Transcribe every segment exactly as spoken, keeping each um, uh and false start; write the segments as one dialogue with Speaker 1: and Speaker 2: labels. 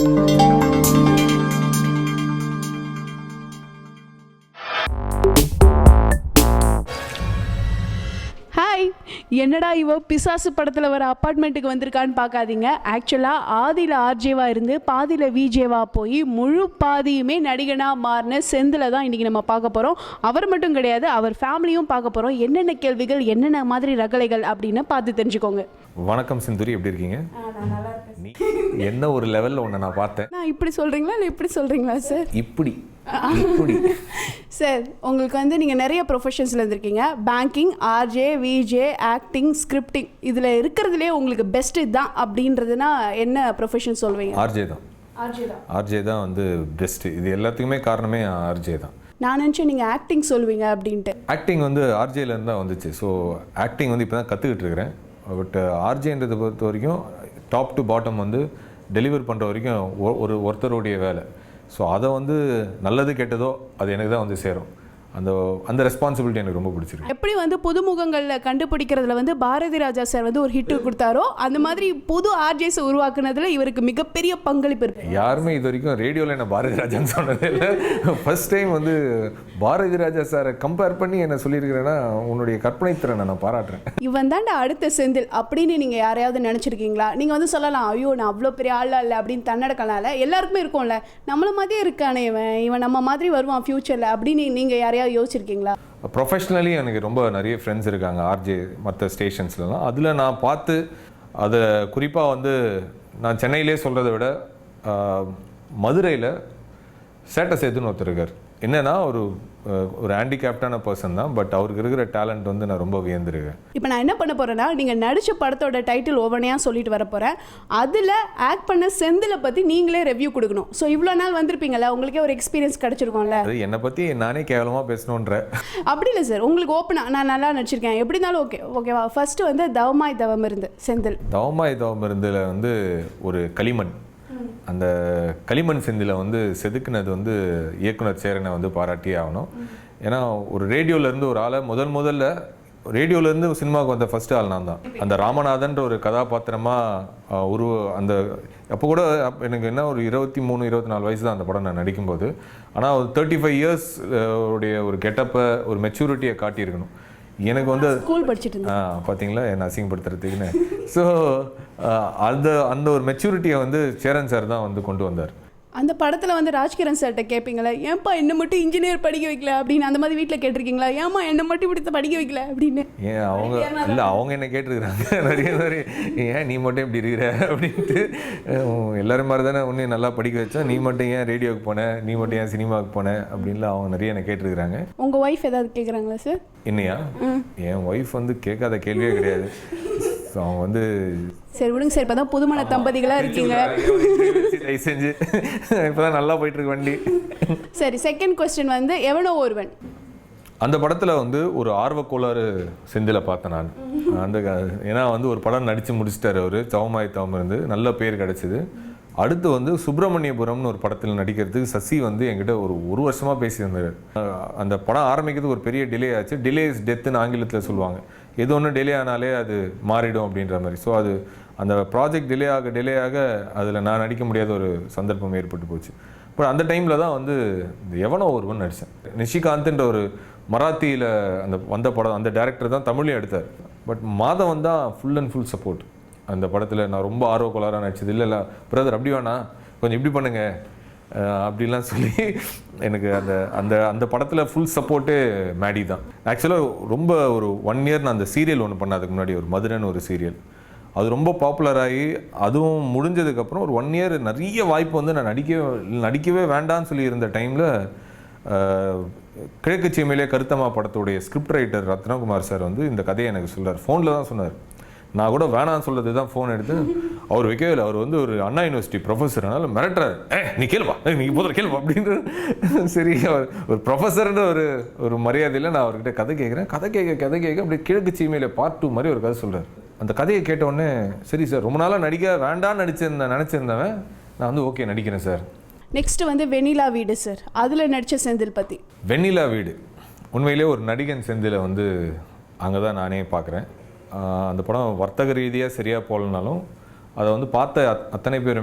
Speaker 1: Hi, என்னடா இவ பிசாசு படத்தில் வர அப்பார்ட்மெண்ட்டுக்கு வந்திருக்கான்னு பார்க்காதீங்க. ஆக்சுவலாக ஆதியில் ஆர்ஜேவாக இருந்து பாதியில் விஜேவாக போய் முழு பாதியுமே நடிகனாக மாறின செந்தில் தான் இன்றைக்கி நம்ம பார்க்க போகிறோம். அவர் மட்டும் கிடையாது, அவர் ஃபேமிலியும் பார்க்க போகிறோம். என்னென்ன கேள்விகள், என்னென்ன மாதிரி ரகலைகள் அப்படின்னு பார்த்து தெரிஞ்சுக்கோங்க.
Speaker 2: வணக்கம் சிந்துரி, எப்படி இருக்கீங்க? என்ன ஒரு லெவலில் ஒன்று நான் பார்த்தேன்.
Speaker 1: நான் இப்படி சொல்கிறீங்களா இல்லை இப்படி சொல்கிறீங்களா சார்?
Speaker 2: இப்படி இப்படி
Speaker 1: சார், உங்களுக்கு வந்து நீங்கள் நிறைய ப்ரொஃபஷன்ஸில் இருந்திருக்கீங்க. Banking, RJ, VJ, acting, scripting, இதில் இருக்கிறதுலே உங்களுக்கு பெஸ்ட் இதுதான் அப்படின்றதுனா என்ன ப்ரொஃபஷன் சொல்வீங்க?
Speaker 2: ஆர்ஜே தான்.
Speaker 1: ஆர்ஜே தான்
Speaker 2: ஆர்ஜே தான் வந்து பெஸ்ட்டு. இது எல்லாத்துக்குமே காரணமே ஆர்ஜே தான்.
Speaker 1: நான் நினச்சேன் நீங்கள் ஆக்டிங் சொல்வீங்க அப்படின்ட்டு.
Speaker 2: ஆக்டிங் வந்து ஆர்ஜேலேருந்து தான் வந்துச்சு. ஸோ ஆக்டிங் வந்து இப்போ தான் கற்றுக்கிட்டு இருக்கிறேன். பட் ஆர்ஜேன்றதை பொறுத்த வரைக்கும் டாப் டு பாட்டம் வந்து டெலிவர் பண்ணுற வரைக்கும் ஒரு ஒருத்தருடைய வேலை. ஸோ அதை வந்து நல்லது கெட்டதோ அது எனக்கு தான் வந்து சேரும். அந்த அந்த ரெஸ்பான்சிபிலிட்டி எனக்கு ரொம்ப பிடிச்சிருக்கு.
Speaker 1: எப்படி வந்து புதுமுகங்களில் கண்டுபிடிக்கிறதுல வந்து பாரதி ராஜா சார் வந்து ஒரு ஹிட் கொடுத்தாரோ, அந்த மாதிரி புது ஆர்ஜேஸ் உருவாக்குனதுல இவருக்கு மிகப்பெரிய பங்களிப்பு இருக்கு.
Speaker 2: யாருமே இது வரைக்கும் ரேடியோவில் என்ன பாரதி ராஜான்னு சொன்னதே இல்லை. ஃபர்ஸ்ட் டைம் வந்து பாரதி ராஜா சாரை கம்பேர் பண்ணி என்ன சொல்லியிருக்கிறேன்னா உன்னுடைய கற்பனை திறனை நான் பாராட்டுறேன்.
Speaker 1: இவன் தாண்டா அடுத்த செந்தில் அப்படின்னு நீங்கள் யாரையாவது நினச்சிருக்கீங்களா? நீங்கள் வந்து சொல்லலாம், ஐயோ நான் அவ்வளோ பெரிய ஆளா இல்லை அப்படின்னு தன்னடக்கலாம்ல, எல்லாருக்குமே இருக்கும்ல, நம்மள மாதிரியே இருக்கானே இவன், இவன் நம்ம மாதிரி வருவான் ஃபியூச்சரில் அப்படின்னு நீங்கள் யாரையாவது யோசிச்சிருக்கீங்களா?
Speaker 2: ப்ரொஃபஷ்னலி எனக்கு ரொம்ப நிறைய ஃப்ரெண்ட்ஸ் இருக்காங்க ஆர்ஜே மற்ற ஸ்டேஷன்ஸ்லாம். அதில் நான் பார்த்து அதை குறிப்பாக வந்து நான் சென்னையிலே சொல்கிறத விட மதுரையில் சேட்டை சேதுன்னு ஒருத்தர் இருக்கார். என்னன்னா ஒரு ஒரு ஹேண்டிகேப்டான பர்சன் தான், பட் அவருக்கு இருக்கிற டேலண்ட் வந்து நான் ரொம்ப வியந்திருக்கேன்.
Speaker 1: இப்போ நான் என்ன பண்ண போகிறேன்னா, நீங்கள் நடித்த படத்தோட டைட்டில் ஒவ்வொன்றையாக சொல்லிட்டு வர போகிறேன். அதில் ஆக்ட் பண்ண செந்திலை பற்றி நீங்களே ரிவ்யூ கொடுக்கணும். ஸோ இவ்வளோ நாள் வந்திருப்பீங்களா, உங்களுக்கே ஒரு எக்ஸ்பீரியன்ஸ் கிடச்சிருக்கோம்ல.
Speaker 2: அது என்னை பற்றி நானே கேவலமாக பேசணுன்ற
Speaker 1: அப்படி இல்லை சார், உங்களுக்கு ஓப்பனாக நான் நல்லா நடிச்சிருக்கேன் எப்படி இருந்தாலும் ஓகே ஓகேவா. ஃபர்ஸ்ட் வந்து தவமாய் தவம் இருந்து செந்தில்.
Speaker 2: தவமாய் தவம் இருந்தில் வந்து ஒரு களிமண், அந்த களிமண் செந்தில வந்து செதுக்குனது வந்து இயக்குனர் சேரனை வந்து பாராட்டியே ஆகணும். ஏன்னா ஒரு ரேடியோலேருந்து ஒரு ஆளை முதல் முதல்ல ரேடியோலேருந்து சினிமாவுக்கு வந்த ஃபர்ஸ்ட் ஆள் நான் தான். அந்த ராமநாதன்ற ஒரு கதாபாத்திரமாக உருவ அந்த அப்போ கூட எனக்கு என்ன ஒரு இருபத்தி மூணு இருபத்தி நாலு வயசு தான் அந்த படம் நான் நடிக்கும்போது. ஆனால் ஒரு தேர்ட்டி ஃபைவ் இயர்ஸ் உடைய ஒரு கெட்டப்பை ஒரு மெச்சூரிட்டியை காட்டியிருக்கணும். எனக்கு வந்து
Speaker 1: ஸ்கூல் படிச்சுட்டு
Speaker 2: ஆ பார்த்தீங்களா என்ன அசிங்கப்படுத்துறதுக்குன்னு. ஸோ அந்த அந்த ஒரு மெச்சூரிட்டியை வந்து சேரன் சார் தான் வந்து கொண்டு வந்தார்.
Speaker 1: அந்த படத்தில் வந்து ராஜ்கிரண் சார்கிட்ட கேட்பீங்களா, ஏன்ப்பா என்ன மட்டும் இன்ஜினியர் படிக்க வைக்கல அப்படின்னு, அந்த மாதிரி வீட்டில் கேட்டிருக்கீங்களா, ஏமா என்ன மட்டும் இப்படி படிக்க வைக்கல அப்படின்னு?
Speaker 2: ஏன் அவங்க இல்லை அவங்க என்ன கேட்டிருக்கிறாங்க நிறைய நிறைய, ஏன் நீ மட்டும் இப்படி இருக்கிற அப்படின்ட்டு. எல்லாரும் மாதிரி தானே உன்னையும் நல்லா படிக்க வச்சா, நீ மட்டும் ஏன் ரேடியோவுக்கு போனேன், நீ மட்டும் ஏன் சினிமாவுக்கு போனேன் அப்படின்லாம் அவங்க நிறைய என்ன கேட்டிருக்கிறாங்க.
Speaker 1: உங்கள் ஒய்ஃப் ஏதாவது கேட்குறாங்களா சார்?
Speaker 2: என்னையா? என் ஒய்ஃப் வந்து கேட்காத கேள்வியே கிடையாது. அவங்க வந்து
Speaker 1: சரி விடுங்க சார், இப்போ தான் புதுமண தம்பதிகளாக இருக்கீங்க,
Speaker 2: செஞ்சு இப்போ தான் நல்லா போயிட்டு இருக்கு வண்டி.
Speaker 1: சரி, செகண்ட் கொஸ்டின் வந்து எவனோ ஒருவன்.
Speaker 2: அந்த படத்தில் வந்து ஒரு ஆர்வக்கோளாறு செந்தில பார்த்தேன் நான். அந்த ஏன்னா வந்து ஒரு படம் நடித்து முடிச்சிட்டாரு அவர், தவமாய் தவம் இருந்து, நல்ல பேர் கிடச்சிது. அடுத்து வந்து சுப்பிரமணியபுரம்னு ஒரு படத்தில் நடிக்கிறதுக்கு சசி வந்து என்கிட்ட ஒரு ஒரு வருஷமாக பேசியிருந்தார். அந்த படம் ஆரம்பிக்கிறதுக்கு ஒரு பெரிய டிலே ஆச்சு. டிலே இஸ் டெத்துன்னு ஆங்கிலத்தில் சொல்லுவாங்க. எது ஒன்று டிலே ஆனாலே அது மாறிடும் அப்படின்ற மாதிரி. ஸோ அது அந்த ப்ராஜெக்ட் டிலே ஆக டிலே ஆக அதில் நான் நடிக்க முடியாத ஒரு சந்தர்ப்பம் ஏற்பட்டு போச்சு. பட் அந்த டைமில் தான் வந்து எவனோ ஒருவன் நடித்தேன். நிஷிகாந்த்ன்ற ஒரு மராத்தியில் அந்த வந்த படம், அந்த டேரக்டர் தான் தமிழையும் எடுத்தார். பட் மாதவன் தான் ஃபுல் அண்ட் ஃபுல் சப்போர்ட் அந்த படத்தில். நான் ரொம்ப ஆர்வக்கோளாராக நடிச்சது. இல்லை இல்லை பிரதர் அப்படி வேணா, கொஞ்சம் இப்படி பண்ணுங்க அப்படிலாம் சொல்லி எனக்கு அந்த அந்த அந்த படத்தில் ஃபுல் சப்போர்ட்டே மேடி தான். ஆக்சுவலாக ரொம்ப ஒரு ஒன் இயர் நான் அந்த சீரியல் ஒன்று பண்ண, அதுக்கு முன்னாடி ஒரு மதுரைன்னு ஒரு சீரியல், அது ரொம்ப பாப்புலராகி அதுவும் முடிஞ்சதுக்கப்புறம் ஒரு ஒன் இயர் நிறைய வாய்ப்பு வந்து நான் நடிக்கவே நடிக்கவே வேண்டான்னு சொல்லி இருந்த டைமில் கிழக்கு சீமையிலே கருத்தம்மா படத்துடைய ஸ்கிரிப்ட் ரைட்டர் ரத்னகுமார் சார் வந்து இந்த கதையை எனக்கு சொன்னார். ஃபோனில் தான் சொன்னார். நான் கூட வேணான்னு சொல்கிறது தான் ஃபோன் எடுத்து அவர் வைக்கவே இல்லை. அவர் வந்து ஒரு அண்ணா யூனிவர்சிட்டி ப்ரொஃபஸர், அதனால் மிரட்டுறாரு, ஏ நீ கேள்வா, நீ போதும் கேள்வா அப்படின்ற. சரி, அவர் ஒரு ப்ரொஃபஸர்ன்ற ஒரு ஒரு மரியாதையில் நான் அவர்கிட்ட கதை கேட்குறேன். கதை கேட்க கதை கேட்க அப்படி கிழக்கு சீமையில் பார்ட் டூ மாதிரி ஒரு கதை சொல்கிறார். அந்த கதையை கேட்டவுடனே சரி சார், ரொம்ப நாளாக நடிக்க வேண்டான்னு நடிச்சிருந்தேன் நினச்சிருந்தவன் நான் வந்து ஓகே நடிக்கிறேன் சார்.
Speaker 1: நெக்ஸ்ட் வந்து வெண்ணிலா வீடு சார், அதில் நடித்த செந்தில் பற்றி.
Speaker 2: வெண்ணிலா வீடு உண்மையிலே ஒரு நடிகன் செந்திலை வந்து அங்கே தான் நானே பார்க்குறேன். அந்த படம் வர்த்தக ரீதியாக சரியாக போகலனாலும் அதை வந்து பார்த்த அத்தனை பேருமே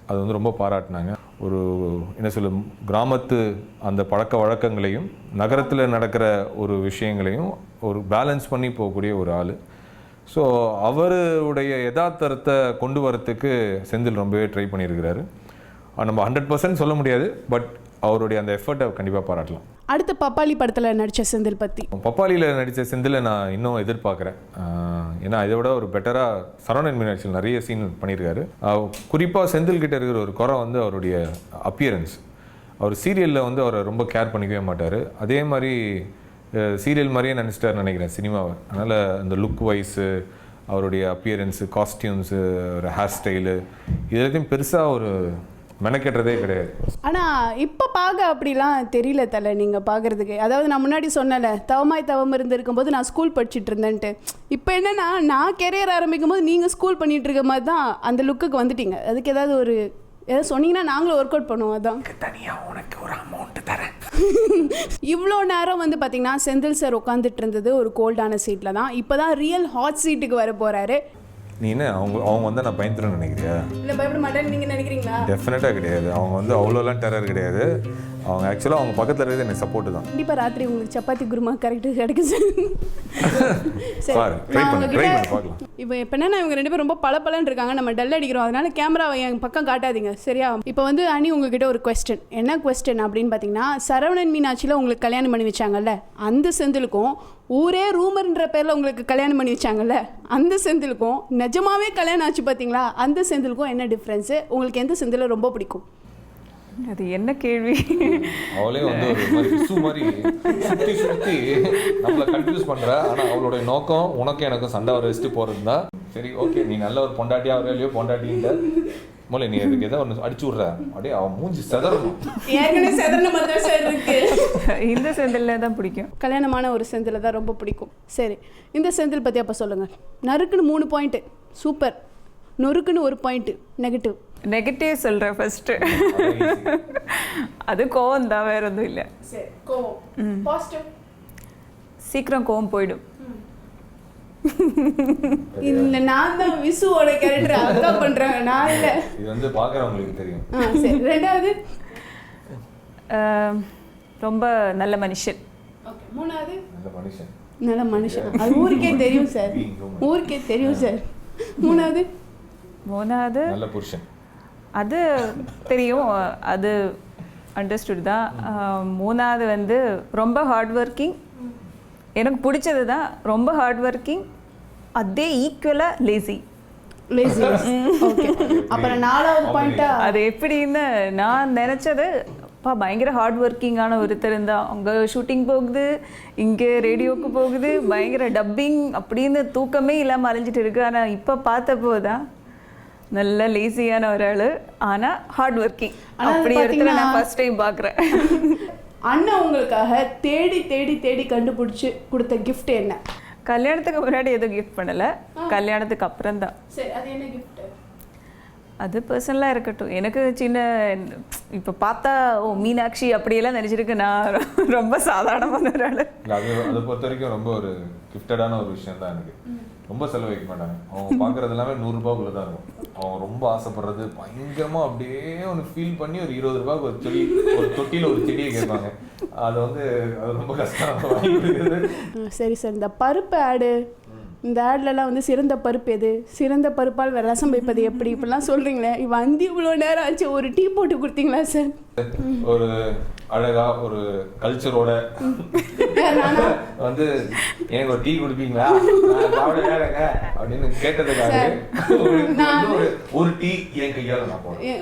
Speaker 2: அது வந்து ரொம்ப பாராட்டினாங்க. ஒரு என்ன சொல்ல கிராமத்து அந்த பழக்க வழக்கங்களையும் நகரத்தில் நடக்கிற ஒரு விஷயங்களையும் ஒரு பேலன்ஸ் பண்ணி போகக்கூடிய ஒரு ஆள். ஸோ அவருடைய யதார்த்தத்தை கொண்டு வரத்துக்கு செந்தில் ரொம்பவே ட்ரை பண்ணியிருக்கிறாரு. நம்ம ஹண்ட்ரட் பர்சன்ட் சொல்ல முடியாது, பட் அவருடைய அந்த எஃபர்ட்டை கண்டிப்பாக பாராட்டலாம்.
Speaker 1: அடுத்த பப்பாளி படத்தில் நடித்த செந்தில் பற்றி.
Speaker 2: பப்பாளியில் நடித்த செந்திலை நான் இன்னும் எதிர்பார்க்குறேன். ஏன்னா இதை விட ஒரு பெட்டராக சரவணன் மீனாட்சியில் நிறைய சீன் பண்ணியிருக்காரு. குறிப்பாக செந்தில் கிட்ட இருக்கிற ஒரு குறை வந்து அவருடைய அப்பியரன்ஸ். அவர் சீரியலில் வந்து அவரை ரொம்ப கேர் பண்ணிக்கவே மாட்டார். அதே மாதிரி சீரியல் மாதிரியே நினச்சிட்டார் நினைக்கிறேன் சினிமாவை. அதனால் அந்த லுக் வைஸு, அவருடைய அப்பியரன்ஸு, காஸ்டியூம்ஸு, ஒரு ஹேர் ஸ்டைலு, இது எல்லாத்தையும் பெருசாக ஒரு மெனக்கெட்டுறதே கிடையாது.
Speaker 1: ஆனால் இப்போ பார்க்க அப்படிலாம் தெரியல தலை நீங்கள் பார்க்குறதுக்கு. அதாவது நான் முன்னாடி சொன்னல தவமாய் தவம் இருந்திருக்கும் போது நான் ஸ்கூல் படிச்சுட்டு இருந்தேன்ட்டு. இப்போ என்னென்னா நான் கெரியர் ஆரம்பிக்கும் போது நீங்கள் ஸ்கூல் பண்ணிகிட்டு இருக்க மாதிரி தான் அந்த லுக்குக்கு வந்துட்டீங்க. அதுக்கு ஏதாவது ஒரு ஏதாவது சொன்னீங்கன்னா நாங்களும் ஒர்க் அவுட் பண்ணுவோம். அதான்
Speaker 2: தனியாக உனக்கு ஒரு அமௌண்ட் தரேன்.
Speaker 1: இவ்வளோ நேரம் வந்து பார்த்தீங்கன்னா செந்தில் சார் உட்காந்துட்டு இருந்தது ஒரு கோல்டான சீட்டில் தான். இப்போ தான் ரியல் ஹாட் சீட்டுக்கு வர போகிறாரு.
Speaker 2: நீ என்ன அவங்க அவங்க வந்து நான் பயந்துருன்னு நினைக்கிறியா?
Speaker 1: இல்லை பயப்பட மாட்டேன்னு நீங்கள் நினைக்கிறீங்களா?
Speaker 2: டெஃபினட்டாக கிடையாது. அவங்க வந்து அவ்வளோலாம் டெரர் கிடையாது. அவங்க ஆக்சுவலாக அவங்க பக்கத்தில் இருக்கிறது எனக்கு சப்போர்ட்டு தான்.
Speaker 1: கண்டிப்பாக ராத்திரி உங்களுக்கு சப்பாத்தி குருமா கரெக்டாக கிடைக்கும் சார். இப்போ இப்போ என்ன இவங்க ரெண்டு பேரும் ரொம்ப பளபளன்னு இருக்காங்க, நம்ம டல் அடிக்கிறோம், அதனால கேமராவை என் பக்கம் காட்டாதீங்க சரியா? இப்போ வந்து அனி உங்ககிட்ட ஒரு கொஸ்டின். என்ன கொஸ்டின் அப்படின்னு பார்த்தீங்கன்னா, சரவணன் மீனாட்சியில் உங்களுக்கு கல்யாணம் பண்ணி வச்சாங்கல்ல அந்த செந்திலுக்கும், ஊரே ரூமர்ன்ற பேரில் உங்களுக்கு கல்யாணம் பண்ணி வச்சாங்கல்ல அந்த செந்திலுக்கும், நிஜமாவே கல்யாணம் ஆச்சு பார்த்தீங்களா அந்த செந்திலுக்கும் என்ன டிஃப்ரென்ஸு? உங்களுக்கு எந்த செந்தில் ரொம்ப பிடிக்கும்?
Speaker 3: அது என்ன கேள்வி?
Speaker 2: அவளே வந்து ஒரு மாதிரி விசு மாதிரி சுற்றி சுற்றி நம்மளை கன்ஃபியூஸ் பண்ணுற. ஆனால் அவளுடைய நோக்கம் உனக்கு எனக்கு சண்டை வர வச்சுட்டு போகிறது தான். சரி ஓகே, நீ நல்ல ஒரு பொண்டாட்டியாக வர இல்லையோ பொண்டாட்டின்ற மூலம் நீ அதுக்கு எதாவது ஒன்று அடிச்சு விட்ற. அப்படியே அவன் மூஞ்சி செதறணும்.
Speaker 3: இந்த செந்தில் தான் பிடிக்கும்.
Speaker 1: கல்யாணமான ஒரு செந்தில் தான் ரொம்ப பிடிக்கும். சரி, இந்த செந்தில் பற்றி அப்போ சொல்லுங்கள். நறுக்குன்னு மூணு பாயிண்ட்டு சூப்பர், நொறுக்குன்னு ஒரு பாயிண்ட்டு நெகட்டிவ்.
Speaker 3: நெகட்டிவ் சொல்கிறேன் ஃபர்ஸ்ட்டு. அது கோவம் தான், வேற எதுவும் இல்லை.
Speaker 1: சரி, கோவம். பாசிட்டிவ்?
Speaker 3: சீக்கிரம் கோவம் போயிடும்.
Speaker 1: இந்த நான் தான் விசுவோட கேரக்டர் அக்கா பண்றாங்க, நான் இல்லை.
Speaker 2: இது வந்து பார்க்குறவங்களுக்கு தெரியும்.
Speaker 1: ஆ சரி. ரெண்டாவது
Speaker 3: ரொம்ப நல்ல மனுஷன்.
Speaker 1: ஓகே. மூணாவது
Speaker 2: நல்ல மனுஷன்.
Speaker 1: நல்ல மனுஷன், அது ஊருக்கே தெரியும் சார், ஊருக்கே தெரியும் சார். மூணாவது
Speaker 3: மூணாவது
Speaker 2: நல்ல புருஷன்.
Speaker 3: அது தெரியும், அது அண்டர்ஸ்டுட் தான். மூணாவது வந்து ரொம்ப ஹார்ட் ஒர்க்கிங். எனக்கு பிடிச்சது தான் ரொம்ப ஹார்ட் ஒர்க்கிங், அதே ஈக்குவலாக லேசி.
Speaker 1: லேசி. ஓகே. அப்புறம் நாலாவது பாயிண்டா
Speaker 3: அது எப்படின்னு நான் நினச்சது, அப்பா பயங்கர ஹார்ட் ஒர்க்கிங்கான ஒருத்தர் இருந்தால், அங்கே ஷூட்டிங் போகுது, இங்கே ரேடியோவுக்கு போகுது, பயங்கர டப்பிங் அப்படின்னு தூக்கமே இல்லாமல் அலைஞ்சிட்டு இருக்கு. ஆனால் இப்போ பார்த்தப்போ தான் நல்ல லேசியான ஒரு ஆள், ஆனால் ஹார்ட் ஒர்க்கிங். அப்படி ஒருத்தரை நான் ஃபர்ஸ்ட் டைம் பார்க்குறேன்.
Speaker 1: அண்ணன் உங்களுக்காக தேடி தேடி தேடி கண்டுபிடிச்சி கொடுத்த கிஃப்ட் என்ன?
Speaker 3: கல்யாணத்துக்கு முன்னாடி எதுவும் கிஃப்ட் பண்ணலை, கல்யாணத்துக்கு அப்புறம் தான்.
Speaker 1: சரி, அது என்ன கிஃப்ட்?
Speaker 3: அது பர்சனலாக இருக்கட்டும். எனக்கு சின்ன இப்போ பார்த்தா ஓ மீனாட்சி அப்படியெல்லாம் நினச்சிருக்கு, நான் ரொம்ப சாதாரணமான ஒரு ஆள்.
Speaker 2: அது அதை பொறுத்த வரைக்கும் ரொம்ப ஒரு கிஃப்டடான ஒரு விஷயம் தான். எனக்கு ரொம்ப செலவு வைக்க மாட்டாங்க. அவங்க பார்க்குறது எல்லாமே நூறுரூபாக்குள்ளே தான் இருக்கும். அவங்க ரொம்ப ஆசைப்படுறது பயங்கரமாக அப்படியே ஒன்று ஃபீல் பண்ணி ஒரு இருபது ரூபாய்க்கு ஒரு செடி, ஒரு தொட்டியில் ஒரு செடியை கேட்பாங்க. அது வந்து அது ரொம்ப கஷ்டம்.
Speaker 1: சரி சார், இந்த பருப்பு ஆடு, இந்த ஆட்லலாம் வந்து சிறந்த பருப்பு எது, சிறந்த பருப்பால் ரசம் வைப்பது எப்படி, இப்படிலாம் சொல்கிறீங்களே, வந்து இவ்வளோ நேரம் ஆச்சு, ஒரு டீ போட்டு கொடுத்தீங்களா சார்?
Speaker 2: ஒரு அழகா ஒரு கல்ச்சரோட வந்து எனக்கு ஒரு டீ குடிப்பீங்களா அப்படின்னு கேட்டதுக்காக ஒரு டீ என் கையால் நான் போடுறேன்.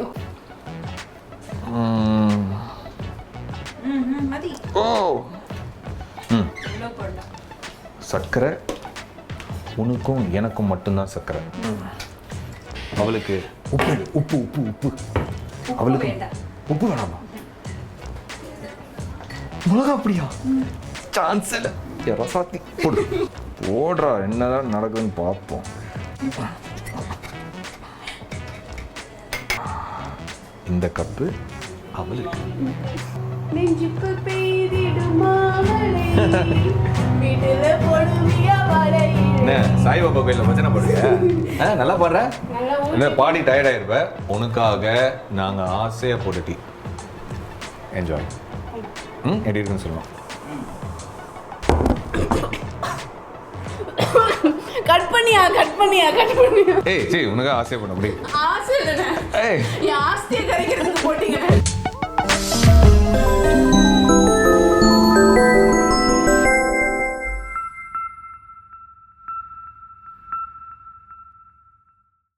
Speaker 2: சர்க்கரை உனக்கும் எனக்கும் மட்டும்தான் சர்க்கரை. அவளுக்கு உப்பு உப்பு உப்பு உப்பு அவளுக்கு உப்பு வேணாமா? மிளகா அப்படியா? சான்ஸ் இல்லை. ரசாத்தி போடு போடுறா, என்னதான் நடக்குதுன்னு பார்ப்போம். இந்த கப்பு அவளுக்கு.
Speaker 1: நெஞ்சுக்குள் பெய்திடும் வீட்டுல பொழுதிய வரையில்
Speaker 2: என்ன சாய்பாபா கோயிலில் பஜனை பாடுங்க ஆ நல்லா பாடுற இல்லை பாடி டயர்ட் ஆயிருப்ப உனக்காக நாங்கள் ஆசையாக போட்ட டீ என்ஜாய் ம் எப்படி இருக்குன்னு சொல்லலாம்
Speaker 1: கட் பண்ணியா கட் பண்ணியா கட் பண்ணியா
Speaker 2: ஏய் சரி உனக்காக ஆசையாக போட அப்படி
Speaker 1: ஆசை இல்லைண்ணே
Speaker 2: ஏய்
Speaker 1: என் ஆஸ்தியை கரைக்கிறதுக்கு போட்டீங்க